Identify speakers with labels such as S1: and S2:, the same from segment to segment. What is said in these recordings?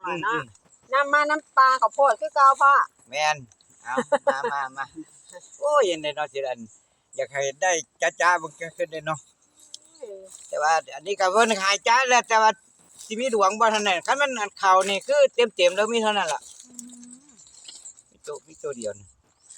S1: พ่อเนาะน้ำมาน้ำปลาข้าวโพดคือเก่าพ่อ
S2: แม่นเอามาโอ้ยยังได้เนาะสิอันอยากให้ได้จ้าๆมันก็ขึ้นได้เนาะแต่ว่าอันนี้ก็เพิ่นขายจ้าแล้วแต่ว่าสิมีดวงบ่เท่านั้นคันมันอันเข้านี่คือเต็มๆแล้วมีเท่านั้นล่ะมีตัวเดียวนี่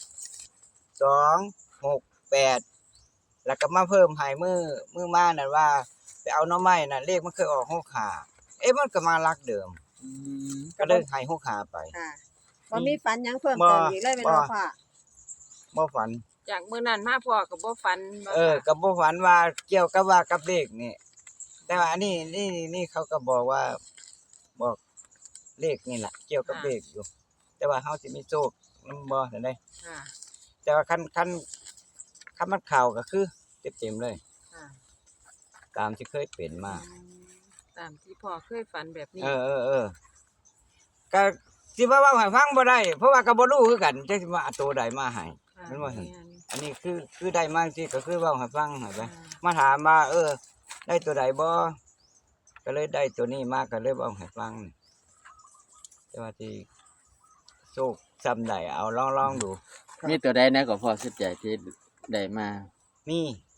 S2: 2 6 8แล้วก็มาเพิ่มให้มือมานั่นว่าไปเอาหน่อไม้น่ะเลขมันเคยออก65เอ๊ะมันก็มาลักเดิมก็เลยให้65ไป
S1: ค่ะบ่มีฝันหยังเพิ่มเติมอีกเลยแม่นบ่พ่อ
S2: บ่ฝัน
S3: จากมื้อนั้นมาพ่อก็บ่ฝัน
S2: ก็บ่ฝันว่าเกี่ยวกับว่ากับเลขนี่แต่ว่าอันนี้นี่เขาก็บอกว่าบอกเลขนี่ล่ะเกี่ยวกับเลขอยู่แต่ว่าเฮาสิมีโชคนำบ่จังได๋
S3: ค่ะ
S2: แต่ว่าคันมันเข้าก็คือเต็มๆเลย
S3: ค่ะ
S2: ตามที่เคยเป็นมา
S3: ตามที่พ่อเคยฝันแบบนี้
S2: ก็สิว่าเว้าให้ฟังบ่ได้เพราะว่าก็บ่รู้คือกันจักสิว่าเอาตัวใดมาให้แม่นบ่ซั่นอันนี้คือได้มาจังซี่ก็คือเว้าให้ฟังให้ไปมาถามว่าได้ตัวใดบ่ก็เลยได้ตัวนี้มาก็เลยเว้าให้ฟังแต่ว่าที่โชคซ้ำใดเอาลองดู
S4: มีตัวใดนะก็พอสุดใจที่ได้มา
S2: มี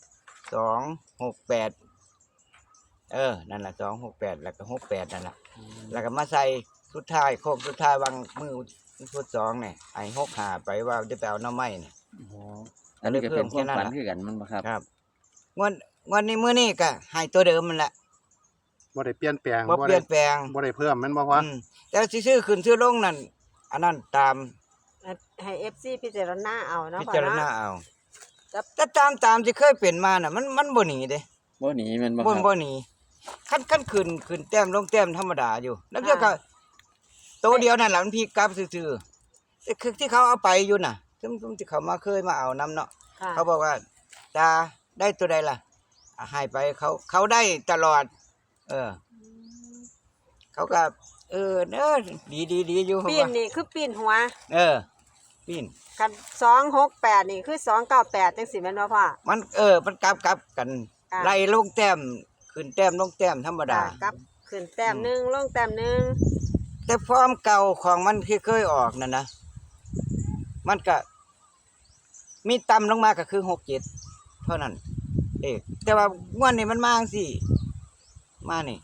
S2: 268นั่นล่ะ268แล้วก็68นั่นล่ะแล้วก็มาใส่สุดท้ายโค้งสุดท้ายวางมือสุด2นี่ให้65ไปว่าจะไปเอาหน่อไม้นี่
S4: อ๋ออันนี้ก็เป็นความฝันคือกันมันบ่ครับ
S2: ครับงวดนี้มื้อนี้ก็ให้ตัวเดิมมันแหละ
S5: บ่ได้เปลี่ยนแปลง
S2: บ่เปลี่ยนแปลง
S5: บ่ได้เพิ่มแม่นบ่พ่อ
S2: แต่สิซื้อขึ้นซื้อลงนั่นอันนั้นตาม
S1: ให้ FC พิจารณาเอาเนาะ
S2: พิจารณาเอาแต่ตามที่เคยเป็นมาน่ะมันบ่หนีเด้
S4: บ่หนีแม่นบ่
S2: ครับบ่หนีคันขึ้นแต้มลงแต้มธรรมดาอยู่แล้วเดี๋ยวก็ตัวเดียวนั่นล่ะมันพลิกกลับซื่อๆแต่คือที่เขาเอาไปอยู่น่ะซึ่งที่เขามาเคยมาเอานำเนาะเขาบอกว่าตาได้ตัวใดล่ะให้ไปเขาได้ตลอดเขาก็ดีอยู่
S1: ปีนนี่คือปีนหัว
S2: ปีน
S1: กัน268นี่คือ298จังซี่แม่นบ่พ่อ
S2: มันมันกลับกันไล่ลงแต้มขึ้นแต้มลงแต้มธรรมดาก
S1: ลับขึ้นแต้มนึงลงแต้มนึง
S2: แต่ฟอร์มเก่าของมันที่เคยออกนั่นนะมันก็มีต่ำลงมาก็คือ67เท่านั้นแต่ว่างวดนี้มันมาจังซี่มานี่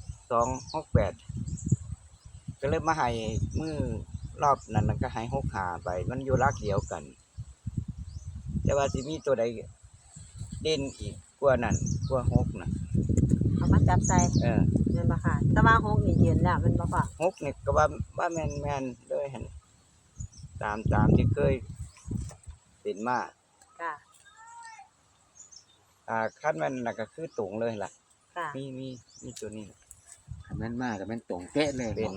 S2: 268ก็เลยมาให้มือรอบนั้นก็ให้65ไปมันอยู่ลักเดียวกันแต่ว่าสิมีตัวใดเด่นอีกกว่านั้นกว่า6น่ะ
S1: เอามาจับใส่แม่นบ่ค่ะแต่ว่า6นี่ยืนแล้วแม่นบ่พ่อ
S2: 6นี่ก็ว่าแม่นเลยหั่นตามที่เคยเป็นมาค่ะคันมันน่ะก็คือตรงเลยล่ะมีตัวนี้
S4: คันแม่นมากก็แม่นตรงเป๊ะเลย
S2: เป็น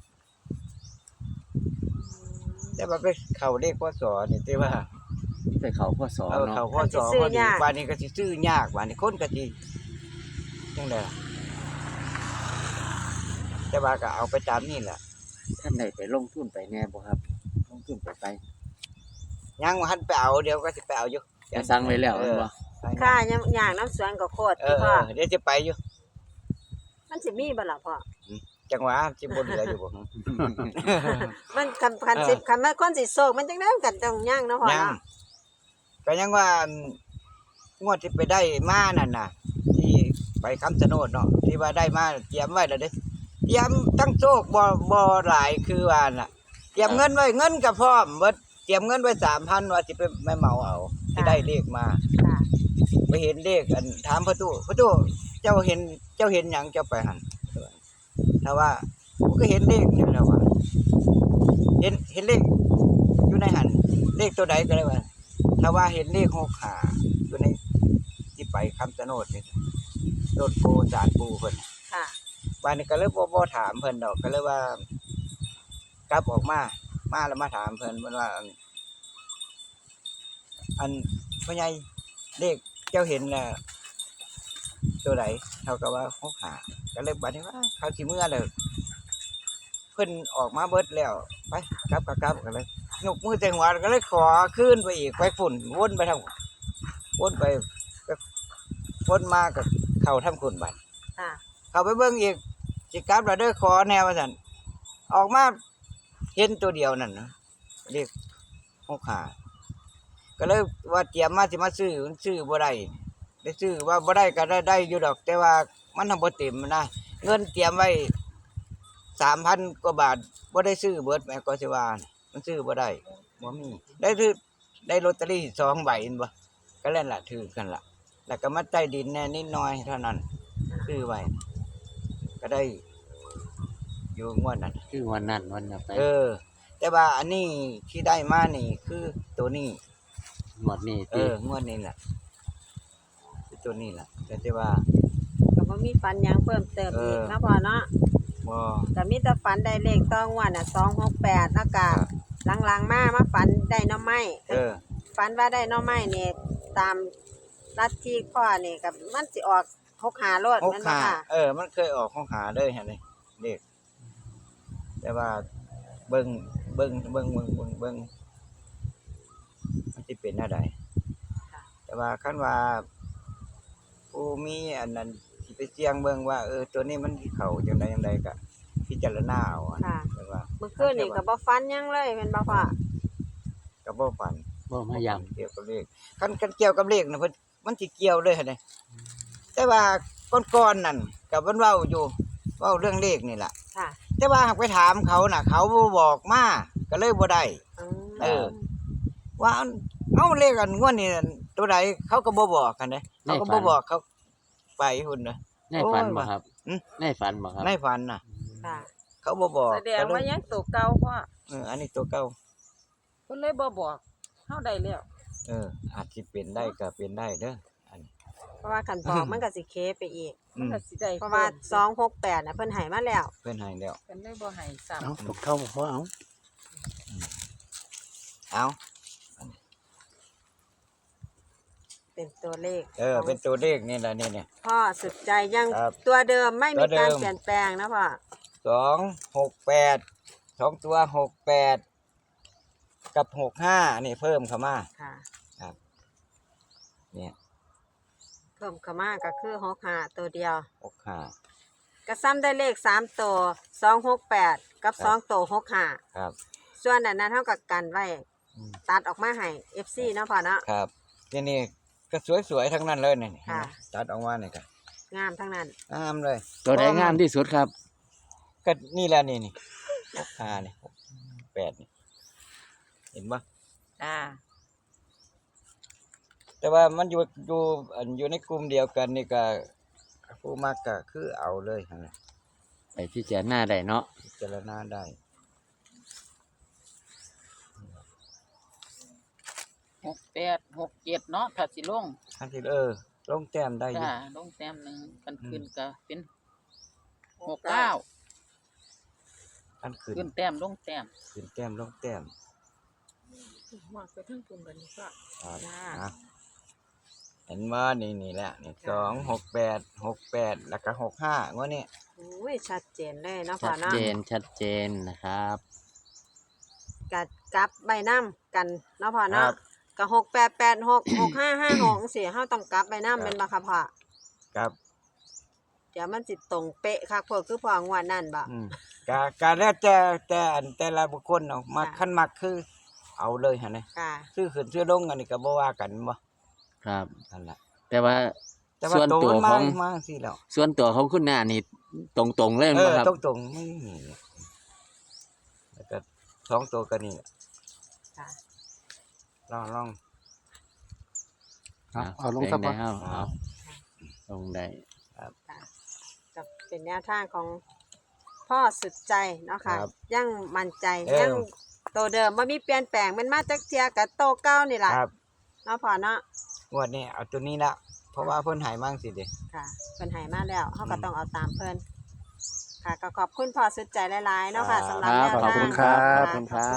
S2: แต่ว่าไปเข้าเลขพศนี่แต่ว่า
S4: ไปเข้าพศเนาะ
S2: เข้าพศพอดีป่านนี้ก็สิซื้อยากป่านนี้คนก็สิจังได๋ล่ะแต่ว่าก็เอาไปตามนี่แหละ
S4: ท่านได้ไปลงทุนไปแน่บ่ครับลงทุนไป
S2: ยังบ่ทันไปเอาเดี๋ยวก็สิไปเอาอยู่
S4: จะสั่งไว้แล้วบ่
S1: ค่ะย่างน้ำสวนก็โคตรพ่อ
S2: เดี๋ยวจะไปอยู่
S1: มันสิมีบ่ล่ะพ่อ
S2: จังหวะสิบ่เหลืออยู่บ่
S1: มันคันมันคนสิโศกมันจังได๋กันต้องย่างเนาะพ่อเนาะ
S2: ก็ยังว่างวดที่ไปได้มานั่นน่ะที่ไปคำชะโนดเนาะที่ว่าได้มาเตรียมไว้แล้วเด้เตรียมทั้งโชคบ่หลายคือว่าน่ะเตรียมเงินไว้เงินก็พร้อมเบิดเตรียมเงินไว้ 3,000 ว่าสิไปไม่เหมาเอาที่ได้เลขมาไปเห็นเลขอันถามพ่อตู้เจ้าเห็นหยังเจ้าไปหั่นถ้าว่าก็เห็นเลขนี่แล้วว่าเห็นเลขอยู่ในหั่นเลขตัวใดก็ได้ว่าถ้าว่าเห็นเลข65อยู่ในที่ไปคำชะโนดนี่รถโพจานปูเพิ่นวันนี้ก็เลยบ่ถามเพิ่นดอกก็เลยว่ากลับออกมาแล้วมาถามเพิ่นว่าอันพ่อใหญ่เลขเจ้าเห็นน่ะตัวไหนเท่ากับว่า65ก็เลยบัดนี้ว่าเขาสิเมื่อแล้วเพิ่นออกมาเบิดแล้วไปกลับก็เลยยกมือแต่หัวก็เลยขอขึ้นไปอีกไปฝุ่นวนไปทางวนไปวนมาก็เข้าทำคุณบัดเข้าไปเบิ่งอีกสิกลับแล้วเด้อขอแนวว่าซั่นออกมาเห็นตัวเดียวนั่นนะเรียก6 5ก็เลยว่าเตรียมมาสิมาซื้อมันซื้อบ่ได้ได้ซื้อว่าบ่ได้ก็ได้อยู่ดอก แต่ว่ามันทำบ่เต็มนะเงินเตรียมไว้ 3,000 กว่าบาทบ่ได้ซื้อเบิดแม่ก็สิว่ามันซื้อบ่ได้บ่มีได้ลอตเตอรี่2 ใบเห็นบ่ก็แล้วล่ะถือกันล่ะ แล้วก็มาใต้ดินแน่นิดหน่อยเท่านั้นซื้อไว้ก็ได้อยู่งวดนั้น
S4: คือวันนั้นวันน่ะไป
S2: แต่ว่าอันนี้ที่ได้มานี่คือตัวนี้
S4: หมดนี่ติ
S2: งวดนี้แหละคือตัวนี้แหละแต่ว่า
S1: ก็บ่มีฝันหยังเพิ่มเติมอีกเนาะพ่อเนาะ
S2: บ่
S1: ก็มีแต่ฝันได้เลขต้องว่าน่ะ268แล้วก็หลังๆมาฝันได้หน่อไม้ ฝันว่าได้หน่อไม้นี่ตามลัทธิพ่อนี่ก็มันสิออก65โลดแม่นบ่ค่ะ
S2: มันเคยออกของหาเลยฮะนี่เด็กแต่ว่าเบิ่งมันสิเป็นแนวใดแต่ว่าคันว่าผู้มีอันนั้นสิไปเสี่ยงเบิ่งว่าตัวนี้มันสิเข้าจังใดก็พิจารณาเอาอะ
S1: ค่ะ
S2: แต่ว่า
S1: เมื่อคืนนี่ก็บ่ฝันหยังเลยแม่นบ่พ่อ
S2: ก็บ่ฝัน
S4: บ่มาย้ำ
S2: เกี่ยวกับเลขคันเกี่ยวกับเลขน่ะเพิ่นมันสิเกี่ยวเลยหั่นนี่แต่ว่าก่อนๆนั่นก็เพิ่นเว้าอยู่เว้าเรื่องเลขนี่ล่ะ
S1: ค่ะ
S2: แต่ว่าหากไปถามเขาน่ะ เขาบ่บอกมาก็เลยบ่ได้ ว่าเอาเลขอันงวดนี้นั่นตัวใดเขาก็บ่บอกกันเด้เขาก็บ่บอกเขาไปหุ่นน่ะ
S4: ในฝันบ่ครับ
S2: อืม
S4: ในฝันบ่ครับ
S2: ในฝันน่ะ
S1: ค่ะ
S2: เขาบ่บอก
S3: แสดงว่ายังตัวเก่าพ่อ
S2: อันนี้ตัวเก่า
S3: เพิ่นเลยบ่บอกเฮาได้แล้ว
S2: อาจสิเป็นได้ก็เป็นได้เด้ออัน
S1: เพราะว่าคันบอกมันก็สิเคไปอีก
S3: มันก็สิได้
S1: เพราะว่า268น่ะเพิ่นให้มาแล้ว
S2: เพิ่นให้แล้ว
S3: เพิ่นเลยบ่ให้ซ้ำ
S5: เอาตกเข้าบ่พอเอา
S2: เอา
S1: เป็นตัวเลข
S2: เป็นตัวเลขนี่ล่ะนี่
S1: พ่อสุดใจยัง
S2: ครับ
S1: ตัวเดิมไม่มี
S2: ตัวเดิ
S1: การ
S2: ม
S1: เปลี่ยนแปลงนะพ่อ
S2: 268 2ตัว68กับ65นี่เพิ่มเข้ามา
S1: ค่ะ
S2: เนี่ย
S1: เพิ่มเข้ามาก็คือ65ตัวเดียว
S2: 65
S1: ก็ซ้ำได้เลข3ตัว268กับ2ตัว65
S2: ครับ
S1: ส่วนนั้นเท่ากับกันไว้
S2: อืม
S1: ตัดออกมาให้ FC เนาะพ่อเนาะ
S2: ครับที่นี่ก็สวยๆทั้งนั้นเลยนี่
S1: ค่ะ
S2: ตัดออกมานี่ก็
S1: งามทั้งนั้น
S2: งามเลย
S4: ตัวใดงามที่สุดครับ
S2: ก็นี่แหละนี่65นี่68นี่เห็นบ่
S3: จ้า
S2: แต่ว่ามันอยู่ในกลุ่มเดียวกันนี่ก็ผู้มักก็คือเอาเลยหั่นน่ะ
S4: ไปพิจารณาได้เนาะ
S2: พิจารณาได้
S3: 68 67เนาะถ้าสิลง
S2: อันที่ลงแต้มได้อยู่
S3: จ้าลงแต้มหนึงกันขึ้นก็เป็น69
S2: อันขึ้น
S3: ขึ้นแต้มลงแต้ม
S2: ขึ้นแต้มลงแต้ม
S3: มากไปทั้งปุ่มกันนี่ก็
S2: ครับ
S1: จ้า
S2: เห็นว่านี่แหละนี่268แล้วก็65งวดนี้
S1: โอ้ยชัดเจนเลยเนาะพ่
S4: ชั
S1: อ
S4: ด
S1: เนาะ
S4: เจนนะครับ
S1: กัดกลับใบน้ำกันเนาะพ่อ
S2: ค
S1: เนาะ
S2: รับ
S1: ก็6886 6556จังซี่เฮาต้องกลับใบน้ำเป็นบ่ครับพ่อ
S2: ครับ
S1: เดี๋ยวมันสิตรงเป๊ะคักพวกคือพ่องวดนั่นบ่
S2: การแล้วแต่ละบุคคลเนาะมักคันมักคือเอาเลยหั่นน่ะ
S1: ค่ะ
S2: ซื้อขึ้นซื้อลงอันนี้ก็บ่ว่ากันบ่
S4: ครับ
S2: นั่นล่ะ
S4: แต่ว่า
S2: แต่ว่า
S4: ส่วน
S2: โต
S4: ตัว
S2: มัน
S4: ข
S2: มา
S4: อง
S2: มาสิแล้ว
S4: ส่วนตัวของคุณน้านี่ตรงๆเลยบ่ครับ
S2: ตรงๆไม่มีแล้วก็2ตัวก็นี่แหละ
S1: ค่ะ
S2: ลอง
S5: เอาลงครับ
S4: ได้
S5: พ่อ
S4: เอาลงได้
S1: ก็เป็นแนวทางของพ่อสุดใจเนาะค่ะ
S2: ครับ
S1: ยังมั่นใจ
S2: เออ
S1: ยังโตเดิมบ่มีเปลี่ยนแปลงมันมาจากเทียกับโตเก่านี่ล่ะ
S2: ครับ
S1: เนาะพ่อเนาะ
S2: งวดนี้เอาตัวนี้ละเพราะว่าเพิ่นใหายมั่งสิเด้
S1: ค่ะเพิ่นให้มาแล้วเฮาก็
S2: อืม
S1: ต้องเอาตามเพิ่นค่ะก็ขอบคุณพ่อสุดใจหลายๆเนาะค่ะสำหรับ
S4: ครับ
S1: แนว
S4: ขอบ
S1: ทาง
S4: คุณครับ
S1: ะ
S4: ขอบคุณครับ